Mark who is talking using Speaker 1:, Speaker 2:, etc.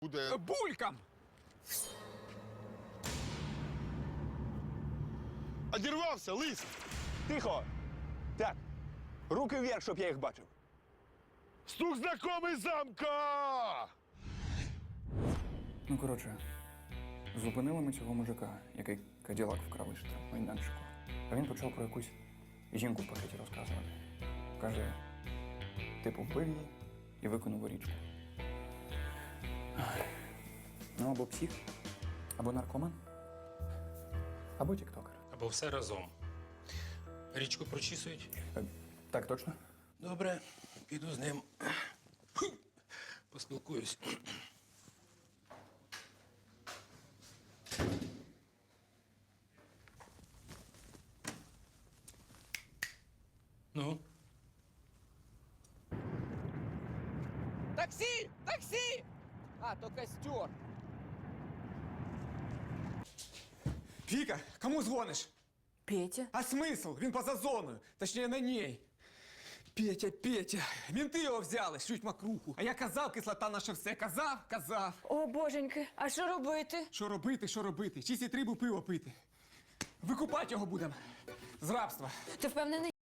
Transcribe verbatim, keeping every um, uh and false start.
Speaker 1: Куди?
Speaker 2: Булькам!
Speaker 1: Одірвався, лис!
Speaker 3: Тихо! Так, руки вверх, щоб я їх бачив.
Speaker 1: Стук знакомий замка!
Speaker 4: Ну, коротше, зупинили ми цього мужика, який каділак вкрав із майданчику. А він почав про якусь жінку в пакеті розказувати. Каже, типу, вбив її і викинув у річку. Ну, або псих, або наркоман, або тіктокер.
Speaker 5: Або все разом. Річку прочісують.
Speaker 4: Е, Так, точно?
Speaker 5: Добре, піду з ним. Поспілкуюсь. Ну?
Speaker 2: Таксі! Таксі! А, то костер.
Speaker 6: Віка, кому дзвониш?
Speaker 7: Петя?
Speaker 6: А смисл? Він поза зоною. Точніше, на ній. Петя, Петя, мінти його взяли, шлють макруху. А я казав, кислота наше все. Казав, казав.
Speaker 7: О, боженьки, а що робити?
Speaker 6: Що робити, що робити? Чисті трибу пиво пити. Викупати його будемо. З рабства.
Speaker 7: Ти впевнений?